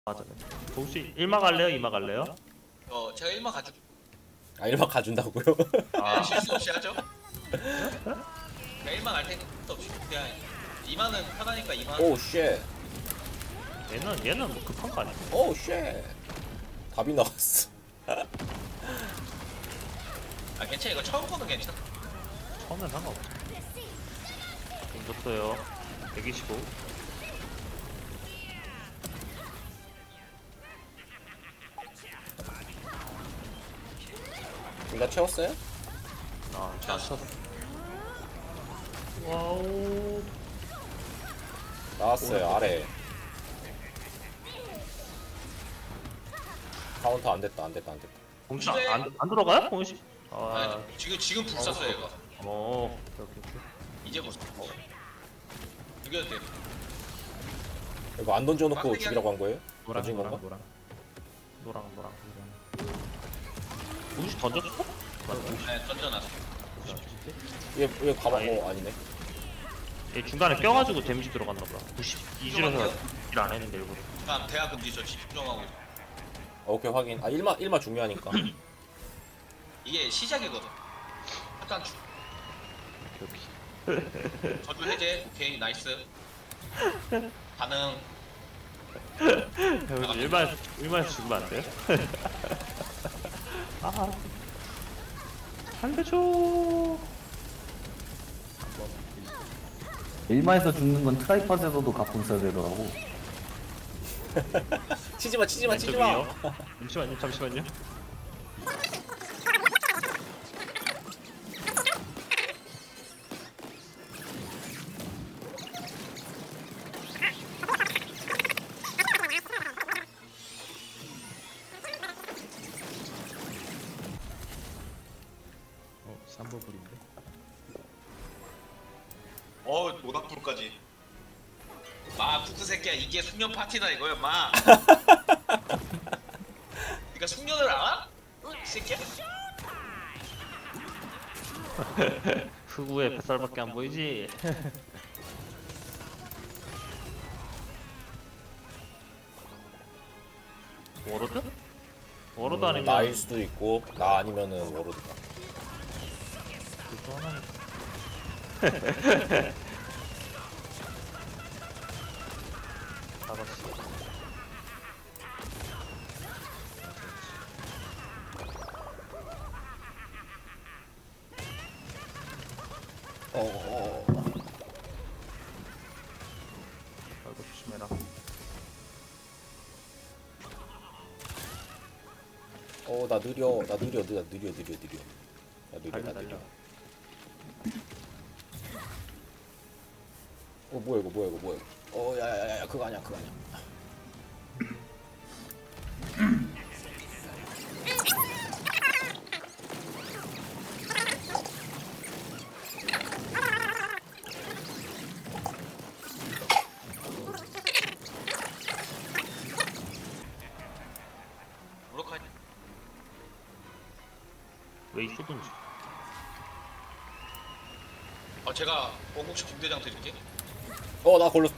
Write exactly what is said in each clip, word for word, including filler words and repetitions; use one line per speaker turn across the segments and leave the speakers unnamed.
맞아. 혹시 일마 갈래요? 이마 갈래요?
어 제가 일마 가져.
아 일반 가준다고요?
아,
실수 없이 하죠. 제가 일마 갈 테니까 실수 없이 그냥 이마는 편하니까 이마.
오우 쉣.
얘는 얘는 뭐 급한 거 아니야?
오우 쉣. 답이 나왔어.
아 괜찮아 이거 처음 거는 괜찮아.
처음엔 상관없어. 좀 줬어요. 백이십오.
둘 다 채웠어요?
아, 잘 쳤어. 와우.
나왔어요 아래. 카운터 안 됐다 안 됐다 안 됐다.
공시 안, 안 들어가요? 공시? 아,
아니, 지금 지금 불 쐈어요 얘가.
어, 오케이, 오케이.
이제 불 쐈어. 죽여도 돼.
이거 안 던져놓고
빡세게
죽이라고 한 거예요?
노랑,
던진
노랑,
건가?
노랑. 노랑, 노랑, 노랑. 공시 던졌어?
네 던져놨어.
얘, 얘 가방
아, 예.
어 아니네.
얘 중간에 껴가지고 데미지 들어갔나 보다. 구십이 줄에서 일 안 했는데 일부러.
다음 대학 금지 저 집중하고 있어.
아, 오케이 확인. 아 일마 일마 중요하니까.
이게 시작이거든. 잠깐 주,
오케이, 오케이.
저주 해제. 오케이 나이스. 반응.
형, 일반 일반에서 죽으면 안 돼요? 아, 살려줘.
일마에서 죽는 건 트라이팟에서도 가끔 써야 되더라고.
치지마 치지마
왼쪽
치지마.
위요. 잠시만요, 잠시만요. 어, 삼버블인데.
어 모닥불까지. 마 쿠크 새끼야 이게 숙련 파티다 이거야 마. 네가 숙련을 알아? 응? 이 새끼야?
흑우의 뱃살밖에 안 보이지? 워로드? 워로드
음,
아니면
나일 수도 있고 나 아니면은 워로드가.
그거 하나. 잡았어.
어어어.
아이고 조심해라.
어나 느려 나 느려 나 느려 느려 느려. 나 느려
달려
나
달려.
느려. 어 뭐야 이거 뭐야 이거 뭐야. 어 야야야야 그거 아니야 그거 아니야.
무력하지.
왜 있었든지.
어 제가 원국식 김대장 드릴게.
어나 걸렸.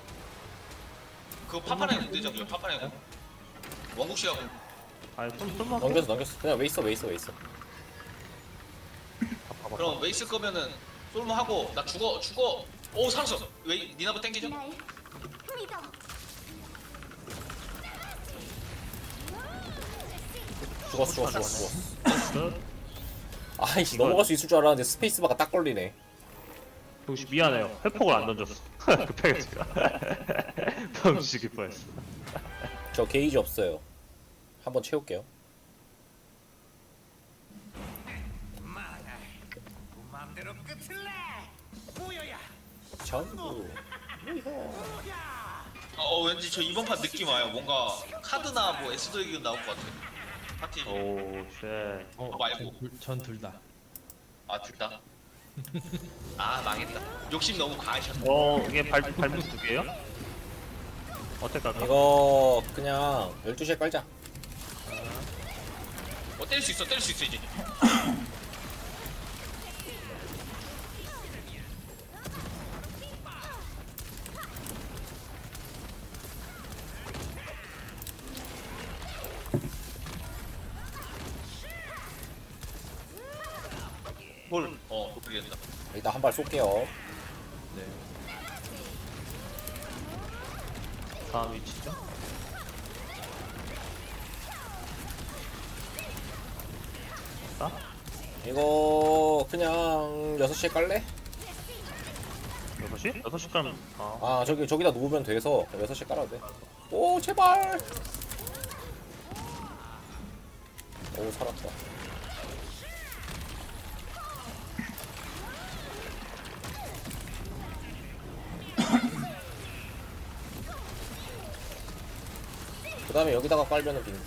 그거 파파네 김대장이요 파파네 공. 원국씨가 공.
아니 좀 좀만.
넘겼어 넘겼어. 그냥 왜 있어 왜 있어 왜 있어.
봐봐.
그럼 왜 있을 거면은 솔모 하고 나 죽어 죽어. 오 살았어. 왜 니나부 땡기죠?
날 믿어.
죽었어 죽었어 죽었어.
끝.
아이씨
이걸-
넘어갈 수 있을 줄 알았는데 스페이스바가 딱 걸리네.
혹시 미안해요. 회폭을 안 던졌어. 급하게 제가. 병치기 뻔했어.
저 게이지 없어요. 한번 채울게요. 전부.
어 왠지 저 이번 판 느낌 와요. 뭔가 카드나 뭐 에스더 얘기 나올 것 같아. 파티.
오, 쉣.
어, 말고.
전 둘 다.
아 둘 다. 아 망했다. 욕심 너무 과하셨네.
어, 이게 발 발목 두 개요? 어떻게 할까?
이거 그냥 열두 시에 깔자.
어 때릴 수 있어 때릴 수 있어 이제.
일단 한 발 쏠게요.
네. 다음 위치죠? 아?
이거 그냥 여섯 시에 깔래?
여섯 시? 여섯 시 가면 아
아 저기 저기다 놓으면 돼서 여섯 시에 깔아도 돼. 오 제발. 오 살았다. 그 다음에 여기다가 깔면은 빈.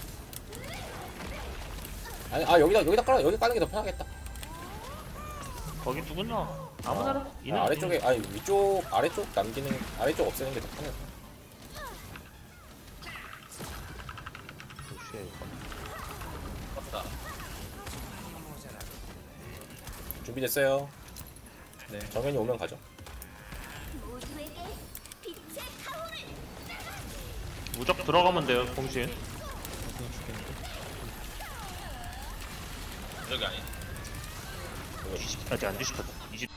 아니 아 여기다 여기다 깔아 여기 까는 게 더 편하겠다.
거기 누구나 아무나
아, 아래쪽에 아니 위쪽 아래쪽 남기는 아래쪽 없애는 게 더 편해.
맞다.
준비됐어요.
네.
정현이 오면 가죠.
무적 들어가면 돼요 공신.
여기 아니.
뒤집 아직 안 뒤집혔다. 이집